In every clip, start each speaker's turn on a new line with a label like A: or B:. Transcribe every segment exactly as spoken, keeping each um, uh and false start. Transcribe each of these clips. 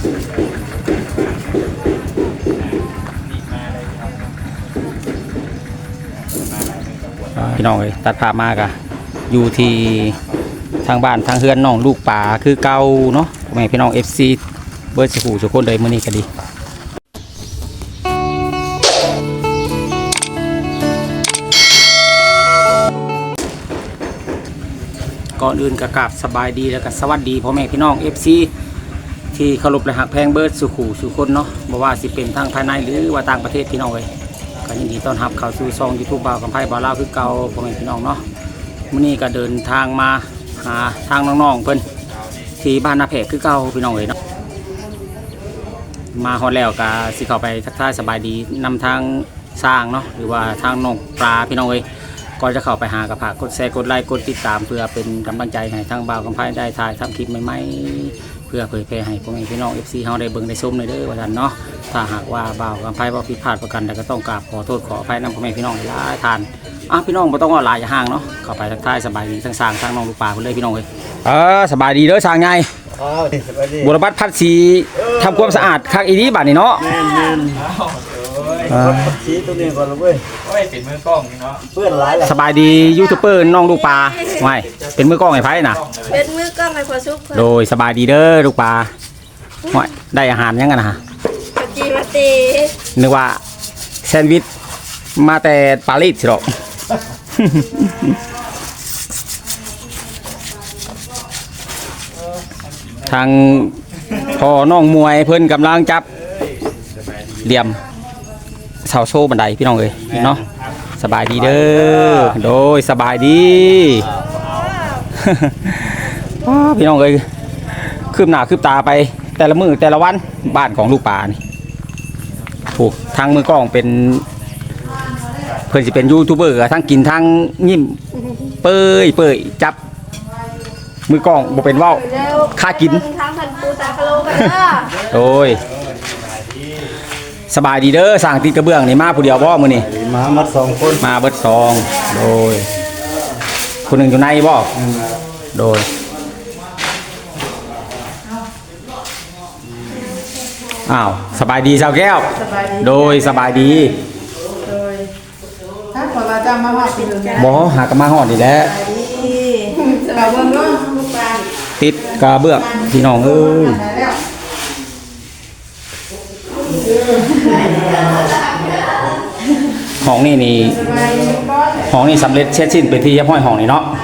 A: พี่น้องเลยตัดภาพมากอะอยู่ที่ทางบ้านทางเฮือนน้องลูกป่าคือเก่าเนาะแม่พี่น้อง เอฟ ซี เบิร์ดสกูสุกคนเลยมื้อนี้ก็ดีก่อนอื่นก็กราบสบายดีแล้วก็สวัสดีพ่อแม่พี่น้อง เอฟ ซี ที่เคารพและหักแพงเบิร์ดสุขูสุคนเนาะบ่ว่าสิเป็นทางภายในหรือว่าต่างประเทศพี่น้องเลยก็ยินดีต้อนรับเข้าสู่ช่อง ยูทูบ บ่าวกำไพบ่าวลาวคือเก่าพ่อแม่พี่น้องเนาะมื้อนี้ก็เดินทางมาหาทางน้องๆเพิ่นที่บ้านนาแพกคือเก่าพี่น้องเลยเนาะมาฮอดแล้วก็สิเข้าไปทักทายสบายดีนำทางสร้างเนาะหรือว่าทางน้องปลาพี่น้องเลยก่อนจะเข้าไปหากระผากกดแชร์กดไลค์กดติดตามเพื่อเป็นกำลังใจให้ทางบ่าวกำไพได้ถ่ายทำคลิปใหม่ๆเพื่อเผยแพร่ให้พ่อแม่พี่น้อง เอฟ ซี เฮาได้เบิ่งได้ชมเลยเด้อว่าซั่นเนาะถ้าหากว่าบ่าวกำไพบ่ผิดพลาดประกันใดก็ต้องกราบขอโทษขออภัยนำพ่อแม่พี่น้องหลายทานอ่ะพี่น้องบ่ต้องว่าหลายอย่าห่างเนาะเข้าไปทักทายสบายดีทั้งสร้างทั้งน้องลูกปลาเพิ่นเลยพี่น้องเอ้ยเออสบายดีเด้อสร้างใหญ่อ๋อสบายดีบุรพัฒน์พัดศรีทำความสะอาดคักอีนี้บัดนี้เนาะแม่นๆพัดศรีตัวนี้ก่อนเลยเว้ยโอ้ยเป็นมือกล้องนี่เนาะเพื่อนหลายแหละสบายดียูทูบเบอร์น้องลูกปลาไม่เป็นมือกล้องให้ไผน่ะ
B: เป็นมือกล้องให้พอซุก
A: โดยสบายดีเด้อลูกปลาว่าได้อาหารยังกันนะฮะ
B: ปจีมาตี
A: นึกว่าแซนด์วิชมาแต่ปารีสสิหรอกทางพ่อน้องมวยเพิ่นกำลังจับเหลี่ยมเสาโซ่บันไดพี่น้องเอ้ยเนาะสบายดีเด้อโดยสบายดีพี่น้องเอ้ยคืบหน้าคืบตาไปแต่ละมือแต่ละวันบ้านของลูกป่านี่ถูกทางมือกล้องเป็นเพื่อนสิเป็นยูทูบเบอร์ทั้งกินทั้งยิ้มเปยเปยจับมือกล้องบ่เป็นว่าวค่ากิน
B: ทั้งพันปูตาคาโลกันเด้อ
A: โอ้ยสบายดีเด้อสั่งติดกระเบื้องนี่มาผู้เดียวบ่มื้อนี้
C: มามัดสองคน
A: มาเบิดสองโดยคนหนึ่งอยู่ในบ่โดยอ้าวสบายดีสาวแก้วโดยสบายดี
D: โดยถ้าขอเราจะมาหอดติดกัน
A: บ่หากมาหอดนี่แหละ
D: สบายเบิ่งเนาะลูกปลา
A: ติดกระเบื้องพี่น้องเอ้ยห้องนี่นี่ห้องนี่สำเร็จเสร็จสิ้นเป็นที่เรียบร้อยห้องนี่เนาะ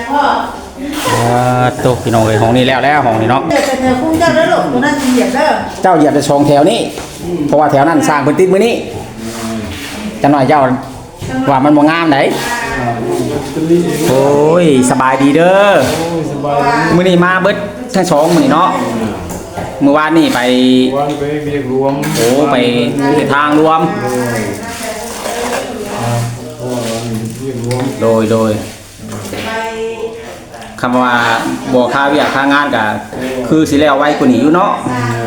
A: โตพี่น้องเอ้ยห้องนี้แล้วแล้วห้องนี้เนาะ
D: เดี๋ยวจะเนื้อคุ้งเจ้าแล้วลูกตัวนั้นเหยียบเด้อ
A: เจ้าเหยียบจะชงแถวนี้เพราะว่าแถวนั้นสร้างพื้นที่มื้อนี้จะหน่อยเจ้าว่ามันบ่งามไหนโอ้ยสบายดีเด้อมื้อนี้มาเบิดทั้งสองมื้อนี้เนาะเมื่อวานนี่ไป
C: วันไปเบียกรวม
A: โอ้ไปทางรวมโดยโดยคำว่าบ่ค่าเวียกค่างานก็คือสิแล้วไว้กว่านี้อยู่เนาะ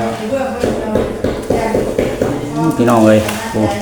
A: พี่น้องเอ้ยโอ้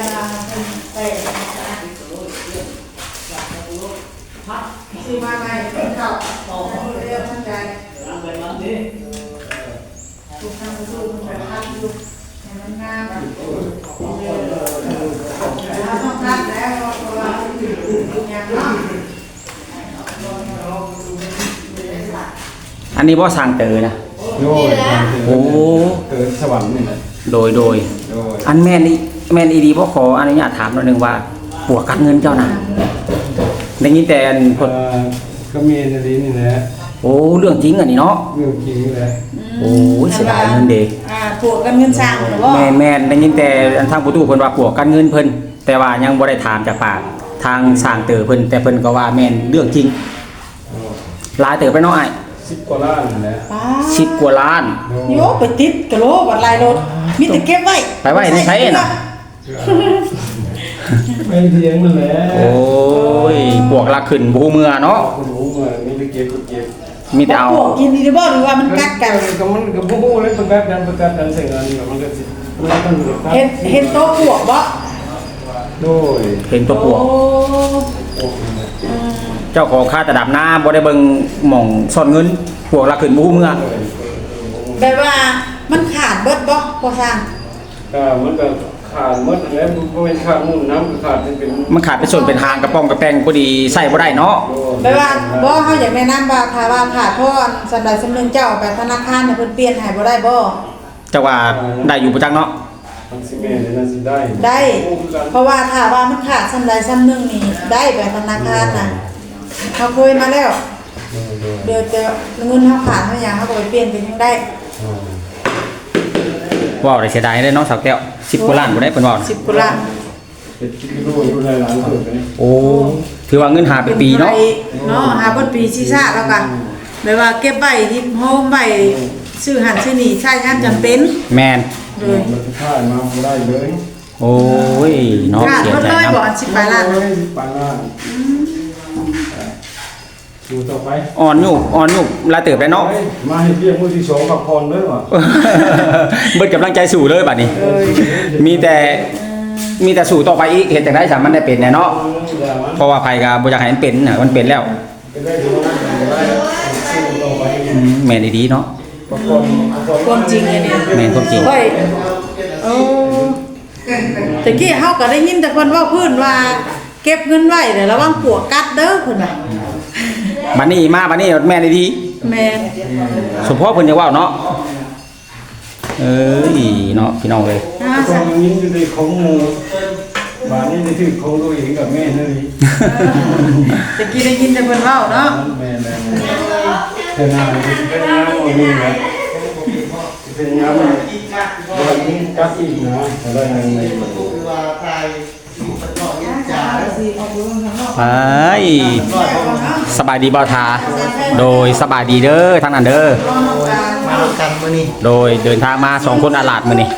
A: อันนี้บ่สร้างเตอนะ
C: โดย
A: โอ้
C: เกิดสวรรค์นี่
A: โดยโดยอันแม่นนี่แม่นอีดีบ่ขออนุญาตถามหน่อยนึงว่าปวกกัดเงินเจ้าน่ะได้ยินแต่พด
C: ก็มีในนี้นี่แหละ
A: โอ้เรื่องจริงอันนี้เนาะ
C: เรื่องจริงแหละ
A: โอ้เสียดายเงินเด้
D: อ่าปวกกันเงินสร้างหรือบ่
A: แม่นแม่นได้ยินแต่ทางผู้ตู้เพิ่นว่าปวกกัดเงินเพิ่นแต่ว่ายังบ่ได้ถามจากปากทางสร้างเตอเพิ่นแต่เพิ่นก็ว่าแม่นเรื่องจริงหลายเตอไปเนาะอ้าย
C: สิบกว่าล้านแหละ
A: สิบกว่าล้าน
D: โยไปติดกะโหลบัดลายรถมีแต่เก็บไว้
A: ไปไว้ในไสน่ะ
C: ไม่เที่ยงนั่นแหละ
A: โอ้ยปวกละขึ้นบ่ฮู้เมื่อเนาะ
C: บ่ฮู้เมื่อมีแต่เก็บเก็บ
A: มีแต่เอา
D: ปวกกินดีบ่หรือว่ามันกัดกัน
C: ก็มันก็บ่ฮู้เลยประกาศกันประกาศกันใส่งานนี่มันก็สิมันต้อง
D: เห็นเห็นโตปวกบ่
C: โดย
A: เห็นตัวปวกเจ้าของค่าตะดับน้าบ่ได้เบิ่งหม่องซ่อนเงินพวกละขึ้นบ่ฮู้เมื่อ
D: แบบว่ามันขาดเบิดบ่พอสร้าง
C: ก็มันก็ขาดหมดแล้วบ่เป็นขาดมุ่นน้ำก็ขาดเป็น
A: มันขาดเป็นส่วนเป็นหางกระป๋องกระแปงพอดีใส่บ่ได้เนาะ
D: แปลว่าบ่เฮาอยากแนะนำว่าถ้าว่าขาดเพราะสำหรับสำนึงเจ้าเอาไปธนาคารให้เพิ่นเปลี่ยนให้บ่ได้บ่
A: แต่ว่าได้อยู่ประจักษ์เนาะ
C: มันสิแม่นนั่นสิได้
D: ได้ เพราะว่าถ้าว่ามันขาดสำหรับสำนึงนี่ได้ไปธนาคารน่ะเขาเคยมาแล้ว เดี๋ยวจะเงินเฮาขาดเฮาหยังเฮาก็ไปเปลี่ยนเป็นยังได้
A: ว้าวได้เสียดายได้เนาะสาวแก้วสิบกว่าล้านบ่ได้เพิ่นว่า
D: สิบกว่าล้าน
C: เป็นกิโลอยู่หลายๆเพิ่นเลย
A: โอ้ถือว่าเงินหาเป็นปีเนาะ
D: เนาะหาเป็นปีซีซ่าแล้วกันแบบว่าเก็บไว้ที่โฮมไว้ซื้อหันซื้อนี่ใช้งานจำเป็น
A: แมน
D: เลย
C: มันสิขาดมาบ่ได้เลย
A: โอ้ยเนาะ
D: ขาด
A: เสีย
D: หมด
A: ใจ
D: เลย
A: นะ
D: บ่อันสิบปลายล้าน
C: โอ้ยปานล้านดูต่อไป
A: อ่อนอยู่อ่อนอยู่ลาเติบได้เนาะ
C: มาให้เพียงมื้อที่สองพักผ่อนเด้อว่ะ
A: เบิดกำลังใจสู่เลยบัดนี้ มีแต่มีแต่สู่ต่อไปอีกเห็นจังได๋สามันได้เป็นแน่เนาะเพราะว่าไผก็บ่อยากให้มันเป็นน่ะมันเป็นแล้ว
C: เป็นได้ดูนะได้สู้ต่อไป
A: อืมแม่นดีๆเนาะ
C: พักผ่อนพักผ่อน
D: ความจริงเลยเนี่ย
A: แม่นความจริง
D: ค่อยโอ้ตะกี้เฮาก็ได้ยินแต่เพิ่นเว้าพื้นว่า เก็บเงินไว้เดี๋ยวระวังปวกกัดเด้อเพิ่นว่า
A: บัดนี้มาบัดนี้แม่นดี
D: แม่น
A: ๆสมพ่อเพิ่นจะเว้าเนาะเอ้ยเนาะพี่น้องเอ้ย
D: อ่า
C: ข
D: ซะ
C: องนี้อยู่ในของหมู่บ้านนี้ได้ถือของตัวเองกับแม่เลย
D: ตะกี้ได้ยินแต่เพิ่นเว้าเนาะ
C: แม่แม่เธอหน้าเป็นงามอันนี้นะเป็นงามวันนี้กัดอีกนะอะไรนั่นเลย
A: ไปสบายดีบ่าวทาโดยสบายดีเด้อทางนั้นเด้อ
E: มาทำกันมื้อนี้
A: โดยเดินทางมาสองคนอาลาดมื้อนี้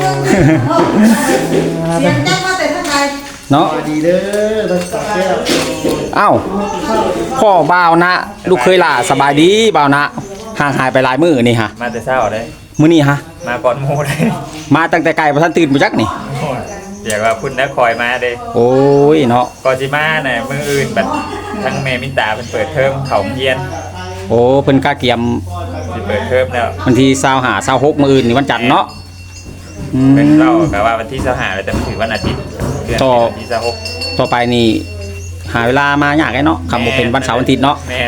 D: เสียงจังมาแต่ทางใด
A: เนาะ
E: สวัสดีเด้อรักษาแก้ว
A: เอ้าพ่อบ่าวนะลูกเคยล่ะสบายดีบ่าวนะห่างหายไปหลายมื้อนี่ฮะ
F: มาแต่เช้าได้
A: มื้อนี้ฮะ
F: มาก่อนหมู่ได้
A: มาตั้งแต่ไกลบ่ทันตื่นบ่จักนี่
F: เดี๋ยวว่าพุ่นนะคอยมาเด้
A: โอ้ยเนาะ
F: ก่อนสิมาน่ะมื้ออื่นบัดทั้งแม่มินตาเพิ่นเปิดเทอมเขาโรงเรียน
A: โอ้เพิ่นกาเกียม
F: สิเปิดเทอมแล้ว
A: วันที่ยี่สิบห้า ยี่สิบหกมื้ออื่นนี่วันจันทร์เนาะอืม
F: เพิ่นเล่าก็ว่าวันที่ยี่สิบห้าแล้วแต่มันถือวันอาทิตย์เดือน
A: ต่อ
F: วันที่ยี่สิบหก
A: ต่อไปนี่หาเวลามายากไอ้เนาะคำบ่เป็นวันเสาร์วันอาทิตย์เนาะ
F: แม่น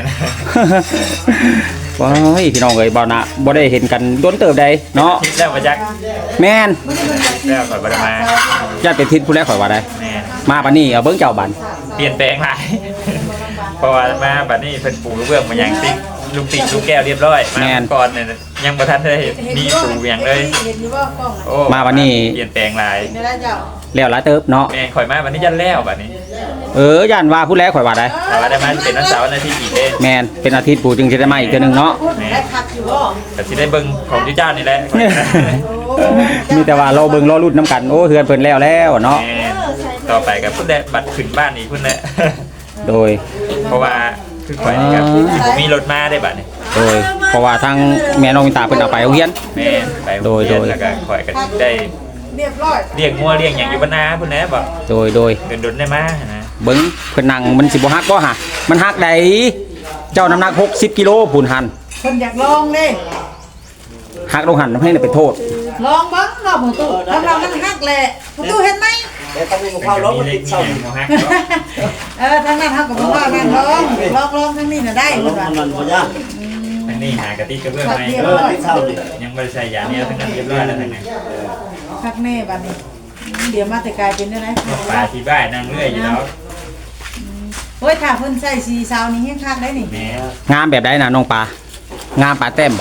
A: ว้ายพี่น้องเอ้ยบ่าวนะบ่ได้เห็นกันโดนเติบใดเนาะ
F: คิดแล้วมาจัก
A: แม่น
F: แล้วข่อยบ่ได้มา
A: ญาติเป็นทิศผู้แรกข่อยว่าได้
F: แม่น
A: มาบัดนี้เอาเบิ่งเจ้าบัด
F: เปลี่ยนแปลงหลาย เพราะว่ามาบัดนี้เพิ่นปูกระเบื้องมาอย่างติ๊กลูกติ๊กลูกแก้วเรียบร้อยมาก่อนเนี่ยยังบ่ทันได้มีปูอย่างเลย
D: เห็นอยู่ว่ากล้องน่ะ
F: โอ้
A: มาบัดนี้
F: เปลี่ยนแปลงหลาย
D: ได้แล้วเจ้า
A: แล้วหลายเติบเนาะ
F: แม่นข่อยมาบัดนี้ยันแล้วบัดนี้
A: เออย่านว่าผู้แรกข่อยว่าได้
F: แต่ว่าได้มาเป็นวันเสาร์วันอาทิตย์อีกเด้
A: แม่นเป็นอาทิตย์ปู่จึงสิได้มาอีกเทื่อนึงเนาะ
D: ได้พักอยู่บ่
F: แต่สิได้เบิ่งของที่เจ้านี่แหละ
A: มีแต่ว่าเราเบิ่งรอรุ่นน้ำกันโอ้เฮือนเพิ่นแล้วแล้วเนาะ
F: แม่ต่อไปกับพุ่นแหละบัตรขึ้นบ้านอีกพุ่นแหละ
A: โดย
F: เพราะว่าคือข่อยนี่ครับผมมีรถมาได้บัตรนี่
A: โดยเพราะว่าทางแม่น้องมินตาเพิ่นเอาไปโรงเรียน
F: แม่ไป
A: โดยโดย
F: แล้วก็ข่อยก็ได้
D: เรียบร้อย
F: เลี้ยงงัวเลี้ยงหยังอยู่บ้านนาพุ่นแหละบ่
A: โดยโดย
F: เดินดนได้มานะ
A: เบิ่งเพิ่นนั่งมันสิบ่ฮักบ่ฮะมันฮักได้เจ้าน้ำหนักหกสิบกิโลพูนหัน
D: เพิ่นอยากลองเด้
A: ฮักลงหันให้ได้เป็นโทษ
D: ลองเบิ่งเนาะหมูตู้กำลังมันฮักแหละหมูตู้เห็นไหม
E: เดี๋ยวต้องมีข้าวร้อนมาติดเสา
F: เลี้ยงงัวฮักเนาะ
D: เออทางนั้นเฮาก็บ่ว่าแม่นลองลองลองทางนี้น่ะได้
E: ร้อ
D: เพิ่
E: น
D: นว่า
E: มันบ่ยาก
F: อันนี้หากะติกระเบื้องไหม
E: เออติดเสาดิ
F: ยังบ่ได้ใส่ยาเนี่ยทั้งนั้นเรียบร้อยแล้วทั้งนั้น
D: คักแน่บัดนี้เดี๋ยวมาแต่กลายเป็นได้ไหน
F: ปลาที่บ้านนั่งเรื่อยอยู่แล้ว
D: โอ้ยถ้าเพิ่นใส่สีซาวนี่แฮงคักได้นี่
F: แม่
A: งามแบบใดน่ะน้องปลางามปลาแต้มบ่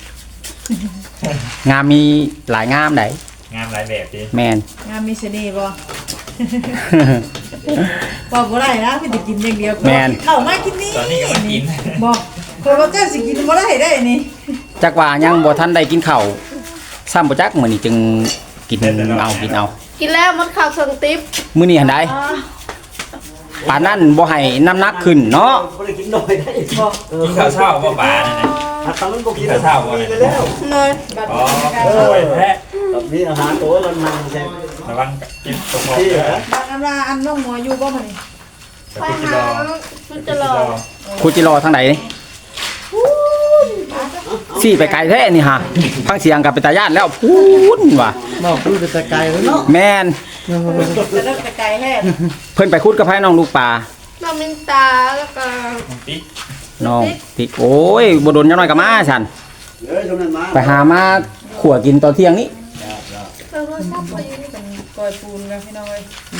A: งามมีหลายงามได
F: งามหลายแบบดิ
A: แม่น
D: งามมีเสน่ห์บ่ บ่บ่ได้นะพี่สิกินอย่างเดียว
A: แม่น
D: เข้ามากินนี่
F: ตอนนี้ก็มากิน
D: บ่เพราะว่าเจ้าสิกินบ่ได้ได้นี่
A: จักว่ายังบ่ทันได้กินข้าวซ้ำบ่จักมื้อนี้จึงกินเอากินเอา
B: กินแล้วมันข่าวส่งติ๊บ
A: มื้อนี้หันได้ปานนั้นบ่ให้น้ำหนักขึ้นเนาะ
E: บ่ได้กินน้อยได้บ่
F: กินข้าวเช้าบ่ปลานั่นน่ะ
E: ถ้าทำมันบ่กิน
F: ข้าวเช้าบ่เนี่ย
E: แล้ว
B: เลย
F: อ๋อสวยแท้
E: ตอนนี้อาหารตัวมันมันใช่
F: ระวังกินตกหมด
E: ที่
F: เด้อ
E: เหรอ
D: บางอันว่าอันน้องหมออยู่บ่มื้อนี้
B: ไปหามันจะรอ
A: ครูจิรอทางใดนี่
E: อ
A: สี่ไปไกลแท้นี่ฮะฟังเสียงกับเป็นตาญาติแล้วพูนว่ะ
E: บอกดูแต่ไกลแล้วเนาะ
A: แม่น
D: จะเลิกไกลแท้
A: เพิ่นไปคุดกับไผน้องลูกปลา
B: น้องมินตาแล้วก็
F: ติ๊ก
A: น้องติ๊กโอ้ยบ่โดนจังน้อยก็มาฉัน
E: เอ้ยชมนั้นมา
A: ไปหามาขั่วกินตอนเที่ยงนี้
B: เออโทรศัพท์ไปอยู่นี่
D: เป็นกอยปูนกันพี่น้องเอ้ย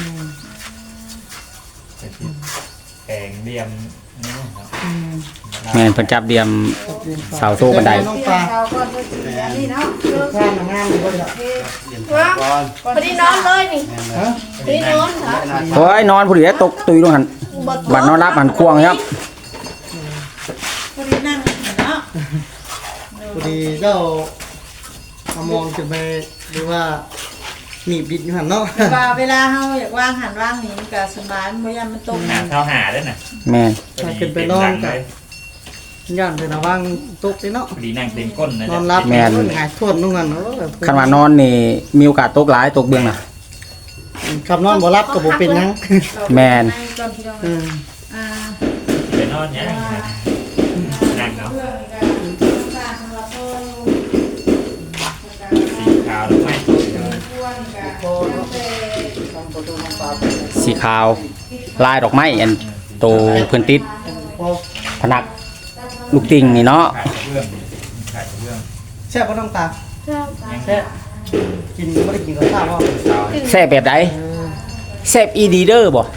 F: แข่งเดียมนี่ครับ
A: แม่นเพิ่นจับเดียมเสาโซ่บันได
E: น้อง
D: เป
E: ป
D: ลี่ย
E: ลาน
D: เช้าก่อนเพื่อสิอันนี้เนาะ
E: ข้างงามเลยล่ะ
B: ว่า
E: ก่อน
B: พอดีนอนเลยนี่
E: ฮะ
B: พอดีนอนค่ะ
A: โอ้ยนอนผู้เดียวตกตุยลงหันบัดนอนรับหันควงครับ
D: พอดีนั่งเนาะ
E: พอดีเจ้าเอามองจะไปหรือว่าหนีบดิดอยู่หันเนาะ
D: ว่าเวลาเฮาอยากว่างหันว่างนี่มันก็สบายมันบ่ยามมันตก
F: หาเท้าหาด้วยนะ
A: แม่น
E: ถ้าขึ้นไปนอนกันย่านเป็นระวังตกเลยเนาะ
F: ดีนั่งเต็มก้นนะ
E: น
F: จ๊ะ
E: อนรับหงายทวนนู่นกันเนาะ
A: คันว่านอนนี่มีโอกาสตกหลายตกเบื้องน่ะ
E: ขับนอนบ่รับก็บ่เป็นหยัง
A: แม่น
D: ก่อนพี่น้อง
E: อืม
D: อ่า
F: ไปนอนเนี่ยนั่งเนาะสีขาวหรือไม่
A: สีขาวลายดอกไม้อันโตเพิ่นติด
E: พอ
A: ผนักลูกติ่งนี่เนาะ
F: ขายกระเบื้องขายกระเบื้อง
E: แซ่บบ่น้องตาแซ่บกินบ่ได้กินกับข้าวบ่
A: แซ่บแบบใดแซ่บอีดีเด้อบ่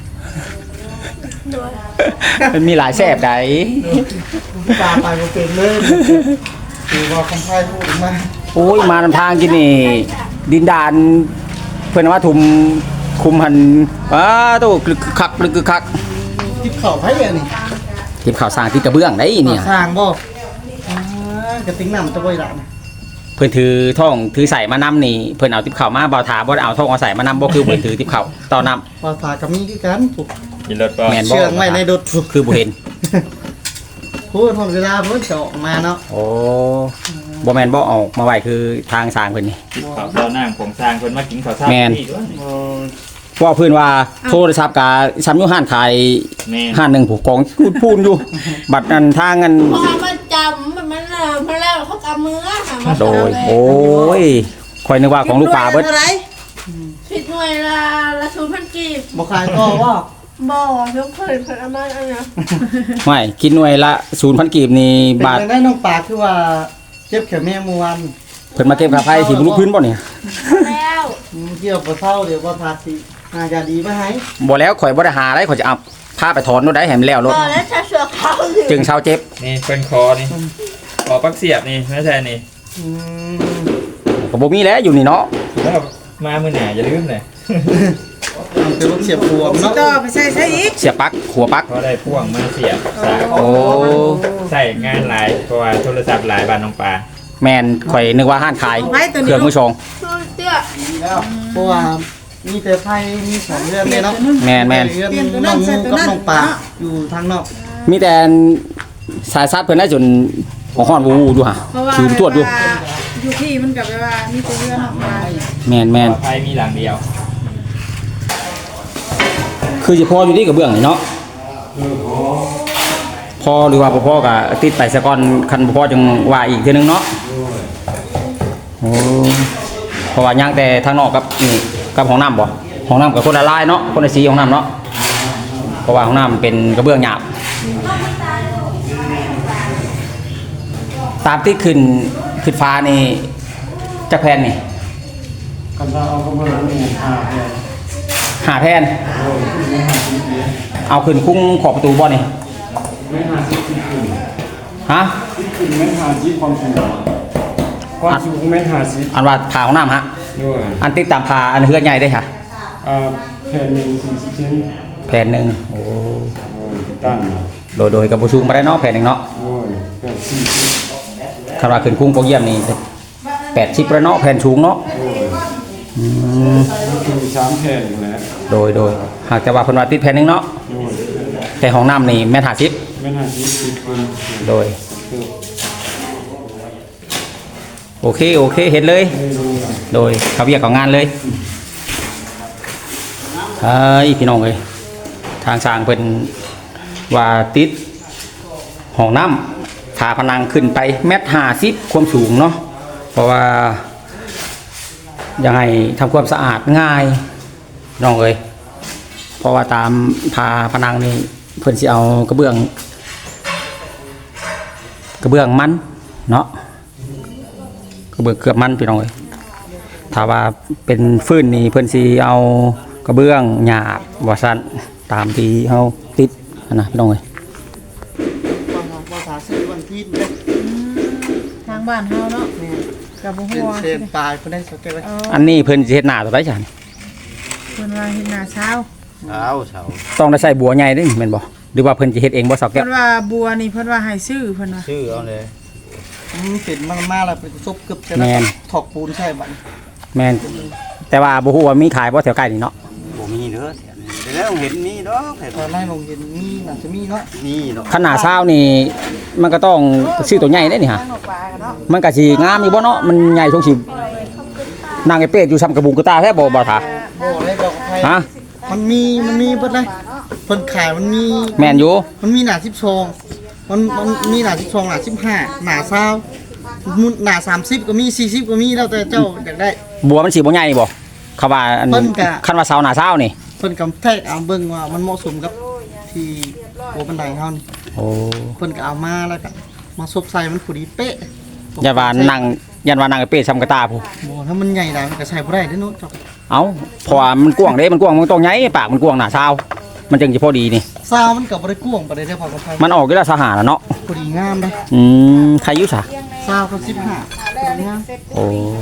A: มันมีหลายแซ่บใด
E: ตาไปบ่เป็นเลยคือว่าคำพายพูดมา
A: โอ้ยมานำทางกินนี่ดินดานเพิ่นว่าทุมคุมหันอ้าโตกลึกคักลึกคัก
E: ทิพข้าวไผอันนี้
A: ทีมข่าวสร้างที่กระเบื้องได้เนี่ย
E: สร้างบ่อ่ากระติงน้ำตะบ่อยละนะ
A: เพิ่นถือท่องถือใส่มานำนี่เพิ่นเอาทิพข่าวมาบ่าวถาบ่ได้เอาท่องเอาใส่มานำบ่คือเพิ่นถือทิพข่าวต่อนำ
E: ภาษากับมีคือกันถูก
F: กินรถก็
A: แม่นบ่
E: เชื่องไว้ในดดถูก
A: คือบ่เห็น
E: พูดทนเวลาเพิ่นจะออกมาเนาะ
A: โอ้บ่แม่นบ่ออกมาไว้คือทางสร้างเพิ่นนี่
F: กินข้าวตอนนั่งผมสร้างคนมากินข้าวเช้า
A: แม่น
F: ที่ด้วย
A: เพราะว่าเพิ่นว่าโทรศัพท์กะซ้ำอยู่ห้านขาย
F: แม่
A: ห้านหนึงผู้กองพูนๆอยู่ บัดนั้นทางอัน
B: พอมาจำมันมันเออมาแล้วเขากำมือค่ะมา
A: โดยโอ้ยข่อยนึกว่าของลูกปลาเบิด
D: เท่าไหร่
B: ผิดหน่วยละละศูนย์พันกีบ
E: บ่ขายก็ว่า
B: บ่ยกเพิ่นเพิ่นเอามาอันเนี้ย
A: ไม่กินหน่วยละ ศูนย์พัน กีบนี่
E: เป็น
A: บาท
E: จังได้น้องปลาคือว่าเจ็บแขนแม่เมื่อวาน
A: เพิ่นมาเก็บค่าไฟสิบ่รู้พื้นบ่เนี่ย
B: แล้ว
E: อืมเกี่ยวบ่เศร้าเดี๋ยวบ่ทาสิอาจะดีมาให้
A: บ่แล้วข่อยบ่ได้หาอะไรข่อยจะเอาพาไปถอนรถได้ให้มันแล้วรถ
B: บ่แล้วจะเสือเขาอยู่
A: จึงเช้าเจ็บ
F: นี่เป็นคอนี่คอปักเสียบนี่ไม่ใช่นี่
E: อืม
A: ก็บ่มีแล้วอยู่นี่เนาะ
F: แล้วมามือหนาอย่าลืมเลย
E: มันเป็นรถเสียบพวงเนาะ
D: ต่อไปใส่ใส่อีก
A: เสียบปลั๊กหัวปลั๊ก
F: เพราะได้พ่วงมาเสียบสาย
A: โอ้
F: ใส่งานหลายเพราะว่าโทรศัพท์หลายบานน้องปลา
A: แม่นข่อยนึกว่าห้านขาย
D: ไว้ตัว
A: เค
D: นี้
A: รื่องมือชง
B: คือเตี้ย
E: ดีแล้วเพราะว่ามีแต่ไผมีสองเรือนเลยเนาะ
A: แม่นแม่น
E: เรือนน้องงูกับน้องปลาอยู่ทางนอก
A: มีแต่สายซัดเพิ่นได้จนหัวฮ้อนวูวูดูฮะ
D: เพราะว่า
A: ถือตรวจดู
D: อยู่ที่มันกับว่ามีแต่เรื่องออกมา
A: แม่นแม่น
F: ไฟมีหลังเดียว
A: คือสิพออยู่นี่กับเบื้องนี่เนาะพอหรือว่าบ่พอก็ติดไปซะก่อนคันบ่พอจังว่าอีกเทื่อนึงเนาะโอ้เพราะว่าย่างแต่ทางนอกกับนี่กับห้องน้ำบ่ห้องน้ำกับคนละลายเนาะคนละสีห้องน้ำเนาะเพราะว่าห้องน้ำเป็นกระเบื้องหยาบตามที่ขึ้นขึ้นฟ้านี่จักแผ่นนี่
C: กันถ้าเอากระเบื้องนี่หาแผ่น
A: หาแผ่นเอาขึ้นคุ้งขอบประตูบ่นี่
C: ไม่หาสิบขึ้นขึ้น
A: ฮะ
C: ขึ้นไม่หาสิบความสูงความสูงไม่หาสิบ
A: อันว่าผ่าห้องน้ำฮะ
C: ด้วย
A: อันติดตามผ่าอันเฮือนใหญ่ได้ค่ะ
C: อ่าแผ่นหนึ่งสี่สิบเซน
A: แผ่นหนึ่งโอ้
C: โอ้ยตั้ง
A: โดยโดยกับบูชูมาได้เนาะแผ่นหนึ่งเนาะ
C: โอ้ยแผ่นสี่สิบ
A: คำว่าขึ้นคุ้งโปเยี่ยมนี่แปดชิปแล้วเนาะแผ่นสูงเนาะ
C: โอ้ย
A: อืม
C: มันคือสามแผ่นอยู่แล้ว
A: โดยโดยหากแต่ว่าเพิ่นว่าติดแผ่นหนึ่งเนาะ
C: โอ้ย
A: แต่ห้องน้ำนี่แม่นหาชิป
C: ไม่หาสิบสิบคน
A: โดยโอเคโอเคเห็นเลย
C: ไม่รู้อะ
A: โดยเขาเรียกของงานเลยเฮ้ยพี่น้องเอ้ยทางสร้างเพิ่นว่าติดห้องน้ำฝาผนังขึ้นไปเมตรห้าสิบความสูงเนาะเพราะว่ายังไงทำความสะอาดง่ายน้องเอ้ยเพราะว่าตามผาผนังนี่เพิ่นสิเอากระเบื้องกระเบื้องมันเนาะกระเบื้องเกือบมันพี่น้องเอ้ยถ้าว่าเป็นฟืนนี่เพิ่นสิเอากระเบื้องหยาบว่าซั่นตามที่เฮาติดนะพี่น้องเอ้ย
E: ภาษาซื้อวันที่เด้อ
D: ทางบ้านเฮาเนาะกับบ่
E: เป็
D: ฮู้
E: น
D: ว่า
E: เซนปลายเพิ่นได้สักแก่ไว้
A: อันนี้เพิ่นสิเฮ็ดหน้าตัวใดจ้ะนี่
D: เพิ่นว่าเฮ็ดหน้าเช้า
C: เช้าเช้า
A: ต้องได้ใส่บัวใหญ่เด้แม่นบ่หรือว่าเพิ่นสิเฮ็ดเองบ่สาวแก้
D: เพิ่
A: วน
D: ว่าบัวนี่เพิ่นว่าให้ซื้อเพิ่นว่า
C: ชื่อเอาเลย
E: อืมเป็นมันมาแล้วเป็นซบกึบใช่แล้วถอกปูนใช่บัด
A: แม่นแต่ว่าบ่ฮู้ว่ามีขายบ่แถวใกล้นี่เนาะ
C: บ่มีเด้อแต่แล้วเห็นมีดอกเห็น
E: ตอนแรกลงเห็นมีน่าจะมีเนาะ
C: มีดอก
A: ขนาดเช้านี่มันก็ต้องซื้อตัวใหญ่เด้นี่ฮะมันก็สิงามอยู่บ่เนาะมันใหญ่ทงสินางไอ้เป็ดอยู่ซ้ำกระบุงกระตาแท้บ่บ่ท่า
E: โอ้ได้บอกใคร
A: ฮะ
E: มันมีมันมีเบิดเลยเพิ่นขายมันมี
A: แม่นอยู่
E: มันมีหนาสิบสองมันมันมีหนาสิบสองหนาสิบห้าหนาเศร้ามุนหนาสามสิบก็มีสี่สิบก็มีแล้วแต่เจ้าอยากได้
A: บัวมันสิบ่ใหญ่บ่เขาว่าอัน
E: เพิ่นก็
A: คันว่าเช้าหน้าเช้านี่
E: เพิ่นกำแทกเอาเบิ่งว่ามันเหมาะสมกับที่โอบันไดเฮานี่
A: โอ้
E: เพิ่นก็เอามาแล้วก็มาซบใส่มันพอดีเป๊ะ
A: ยันว่านั่งยันว่านางไอ้เป็ดซ้ำกระตาผู้
E: บ่ถ้ามันใหญ่ได้มันก็ใส่บ่ได้เด้อเนาะเจ้า
A: เอ้าเพราะว่ามันกว้างเด้มันกว้างมันต้องใหญ่ปากมันกว้างหน้าเช้ามันจึงสิพอดีนี่
E: ซาวมันก็บ่ได้กว้างปานใดเด้อพอกับไผ
A: มันออกอยู่แล้วสหาแล้วเนาะ
E: พอดีงามเด้อ
A: อืมใครอยู่ซะ
E: ซาวก็สิบห้าพอดีงาม
A: โอ้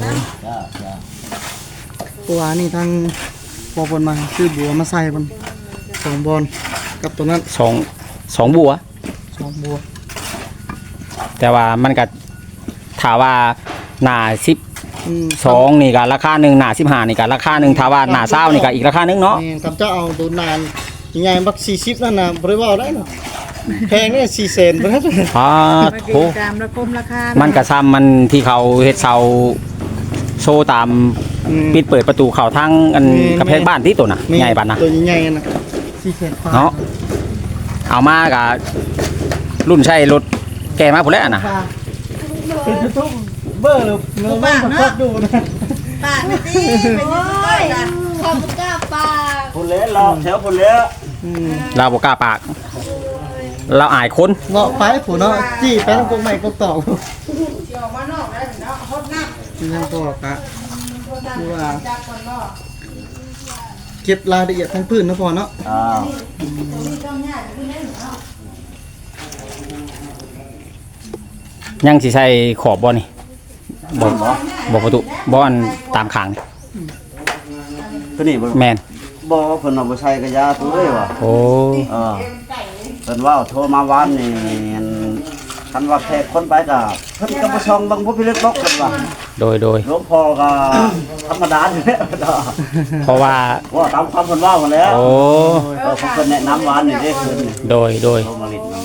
E: ตัวนี้ทางพอเพิ่นมาซื้อบัวมาใส่มันสองบอลกับตัวนั้น
A: สองสองบัว
E: สองบัว
A: แต่ว่ามันก็ถาว่าหน้าสิบ
E: อืม
A: สองนี่ก็ราคาหนึ่งหน้าสิบห้านี่ก็ราคาหนึ่งถ้าว่าหน้าเศร้านี่ก็อีกราคาหนึงเนาะ
E: นี่ครับเจ้าเอาตัวนานใหญ่บักสี่สิบนั่นน่ะบ่ได้เว้าได้เนาะแพงเนี่ยสี่แสนบ่ได้
A: อ่า
D: มัน
A: โห
D: ก็ตามระคมราคา
A: มันกระซ้ำมันที่เขาเฮ็ดเสาโชว์ตามปิดเปิดประตูเข้าทางอันกระแพงบ้านที่ตัวน่ะใหญ่บ้านนะ
E: ตัวใหญ่ๆน่ะสี่แสนกว่า
A: เนาะเอามากับรุ่นใช้รถแกมาพุ่นแล้วน่ะ
E: เป็นยูทูบเบอร์เลยเงินมันก็ดูนะ
B: ปากไม่ดีเป็นยังไงล่ะขอบกล้าปาก
C: พุ่นแล้วรอแถวพุ่นแล้ว
E: อืม
A: เราบ่กล้าปาก เราอายคน
E: เนาะไปผู้เนาะจี้ไปทางกงใหม่กงตอก
B: เที่ยวมานอกแล้วเนาะฮดน้ำ
E: ยังตอกอะคือว่าเก็บรายละเอียดทั้งพื้นนะพอเนาะ
C: อ้าว
A: ยังสิใส่ขอบบ่นี่บ่บ่ประตูบ่อันตามข้างนี่
C: ตัวนี้บ่
A: แม่น
C: บ่เพิ่นเอาบ่ใช้กระยาตัวเอ้ยว่ะ
A: โอ้
C: เออเพิ่นว่าโทรมาวานนี่คันว่าแขกคนไปก็เพิ่นก็บ่ช่องเบังผู้พิลึกลกกันว่า
A: โดยโดย
C: หลวงพ่อก็ธรรมดาอยู่แล้ว
A: เพราะว่า
C: ว่าตามความเพิ่นว่าหมดแล้ว
A: โอ้
C: เออเพิ่นแนะนำวานนี่เด้เพิ่นนี่
A: โดยโดย
C: โทรมาลิดน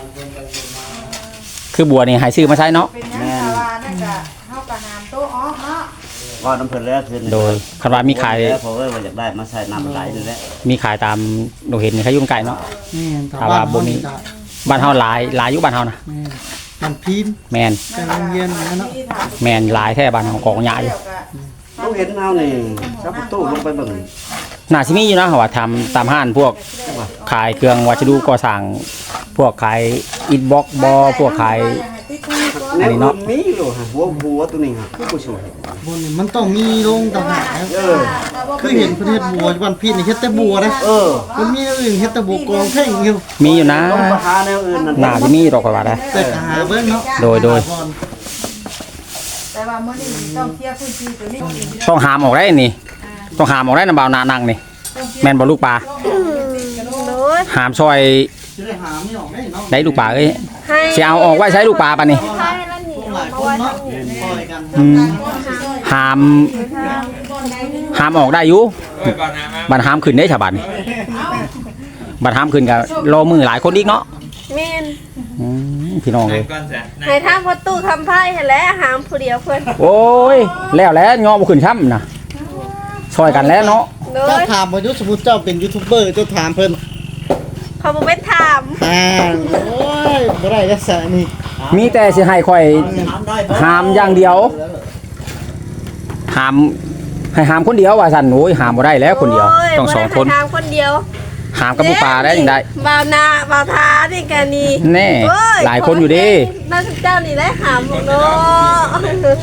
A: คือบัวนี่ให้ซื้อมาใช้เนาะ
B: เป็นยังไงว่านั่นก็เฮาก็หามโต๊ะออกเนาะ
C: ำว่าน้ำเพิ่นแล้วเพิ่น
A: โดยคันว่ามีขาย
C: แล้วเพราะว่าอยากได้มาใส่น้ำไหลนี่แหละ
A: มีขายตามโดเห็นนี่เขายุ่งไก่เนาะ
E: นี่
A: ถ้าว่าบ่มี บ้านเฮาหลายหลายอยู่บ้านเฮานะ
E: มันพีน
A: แมน
E: แต่โรงเรียนนะเนาะ
A: แมนหลายแท้บ้านเฮากองหญ้าอยู่
C: ต้องเห็นเฮานี่ชักประตูลงไปเบิ่ง
A: น่าสิมีอยู่นะว่าทำตามห้านพวกขายเครื่องวัสดุก่อสร้างพวกขายอิฐบล็อกบ่พวกขาย อันนี้เนาะ
C: มีอยู่ฮะหัวหัวตัวนี้ฮะคือผู้ช่วย
E: บนนี่มันต้องมีโรงต่างหากนะ
C: เออ
E: คือเห็นประเทศบัววันพีนนี่เฮ็ดแต่บัวนะ
C: เออ
E: มันมีอย่างอื่นเฮ็ดแต่บัวกองแท่งอยู่
A: มีอยู่นะ
C: ต้องไปหาแนวอื่นนั่น
A: น่าสิมีดอกกว่าได้
E: แต่ก็หาเบิ่งเนาะ
A: โดยโดย
B: แต่ว่ามื้อนี้ต้องเคลียร์พื้นที่ตัวนี้
A: ต้องหามออกได้นี่ต้องหามออกได้นำบ่าวนานั่งนี่แม่นบ่ลูกปลา
G: โดย
A: หามซอย
E: สิได้หาไม่ออกได้เนาะ
A: ได้ลูกปลาเอ้ย
G: ให้
A: สิเอาออกไว้ใช้ลูกปลาปะนี่
G: ให้แล้วหนี
E: ห
G: ออ
E: ลาก ย
G: มา
E: คน
G: ไว้
E: เนาะ
G: ทางนี้
E: ปล่อยกัน
A: อืมหามหามออกได้อยู่
F: เอ้ยก่อนนะมา
A: บัดหามขึ้นได้ฉะบัดนี่บัดหามขึ้นก็รอมือหลายคนอีกเนาะ
G: เมน
A: อืมพี่น้องเอ้ย
F: ก่อนจ้ะนะ
G: ให้ทางประตูคำไพ่ให้แล้วหามผู้เดียวเพิ่น
A: โอ้ยแล้วแล้วงอบ่ขึ้นช้ำนะช่วยกันแล้วเนาะ
G: โด
E: เจ้าย ถามว่ายุสมมุติเจ้าเป็นยูทูบเบอร์เจ้าถามเพิ่น
G: เขาบ่เป็นถาม
E: อ่าโอ้ยบ่ได้จักษะนี่
A: มีแต่สิให้ข่อยหามอย่างเดียวหามให้หามคนเดียวว่าซั่นโอ้ยหามบ่ได้แล้วคนเดียว
G: โย
A: ต้องสองคน
G: บ่ได้ให้ทางคนเดียว
A: หามกับผู้ปลาได้ยังได้
G: บ่าวนาบ่าวทานี่กันนี่
A: แน่
G: โอ้
A: หลายคนอยู่ดิ
G: น่าจะเจ้านี่ได้หามบ่เนาะ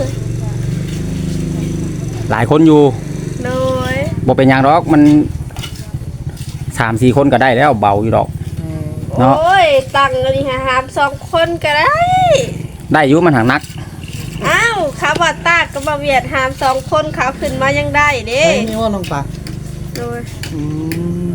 A: หลายคนอยู่
G: โดย
A: บ่เป็นหยังดอกมันสามสี่คนก็ได้แล้วเบาอยู่ดอก เนาะ
G: โอ้ยตังค์อันนี้หามสองคนก็ได้
A: ได้อยู่มันหังนัก
G: อ้าวเขาบ่ตากก็บ่เวียดหามสองคนเขาขึ้นมายังได้เด้
E: ไอ้นี่ว่าน้องปลา
G: โดย
E: อืม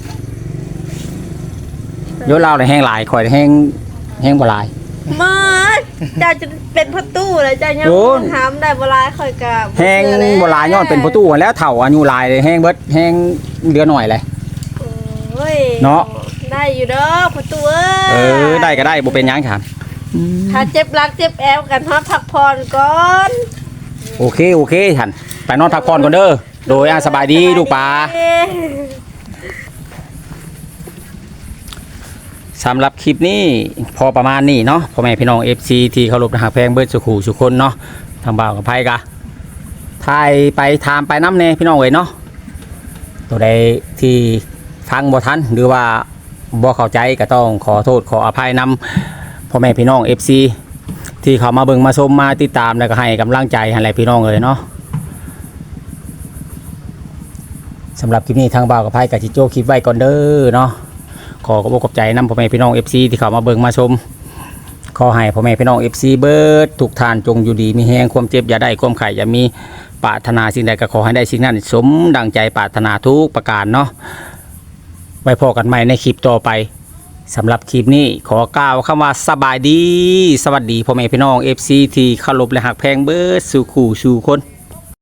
A: โยลาวได้แห้งหลายข่อยได้แห้งแห้งบ่หลาย
G: มาเจ้าจะเป็นพ่อตู้เลยเจ้ายัง
A: โอ้
G: หามได้บ่หลายค่อยก็
A: แห้งบ่หลายย้อนเป็นประตูแล้วเฒ่าอายุหลายเลยแห้งเบิดแห้งเหลือหน่อยเลย
G: โอ้ย
A: เนาะ
G: ได้อยู่เด้อพ่อตู้เอ้ย
A: เออได้ก็ได้บ่เป็นหยังครับ
G: ถ้าเจ็บหลักเจ็บแอวกันฮอดพักผ่อนก่อน
A: โอเคโอเคท่านไปนอนพักผ่อนก่อนเด้อโดยอ่ะสบายดีลูกปลาสำหรับคลิปนี้พอประมาณนี้เนาะพ่อแม่พี่น้อง เอฟ ซี ที่เคารพนะฮักแพงเบิดสุขูสุคนเนาะทางบ่าวกับไผกะถ่ายไปถามไปน้ำแน่พี่น้องเอ้ยเนาะตัวใดที่ฟังบ่ทันหรือว่าบ่เข้าใจก็ต้องขอโทษขออภัยนำพ่อแม่พี่น้อง เอฟ ซี ที่เขามาเบิ่งมาชมมาติดตามแล้วก็ให้กำลังใจให้หลายพี่น้องเลยเนาะสำหรับคลิปนี้ทางบ่าวกับไผกะจิโจ้คลิปไว้ก่อนเด้อเนาะขอขอบคุณใจนำพ่อแม่พี่น้อง เอฟ ซี ที่เขามาเบิ่งมาชมขอให้พ่อแม่พี่น้อง เอฟ ซี เบิดทุกท่านจงอยู่ดีมีแห้งความเจ็บอย่าได้ความไข่อย่ามีปรารถนาสิ่งใดก็ขอให้ได้สิ่งนั้นสมดังใจปรารถนาทุกประการเนาะไว้พอกันใหม่ในคลิปต่อไปสำหรับคลิปนี้ขอกล่าวคำว่าสบายดีสวัสดีพ่อแม่พี่น้อง เอฟ ซี ที่เคารพและหักแพงเบิดสู่คู่สู่คน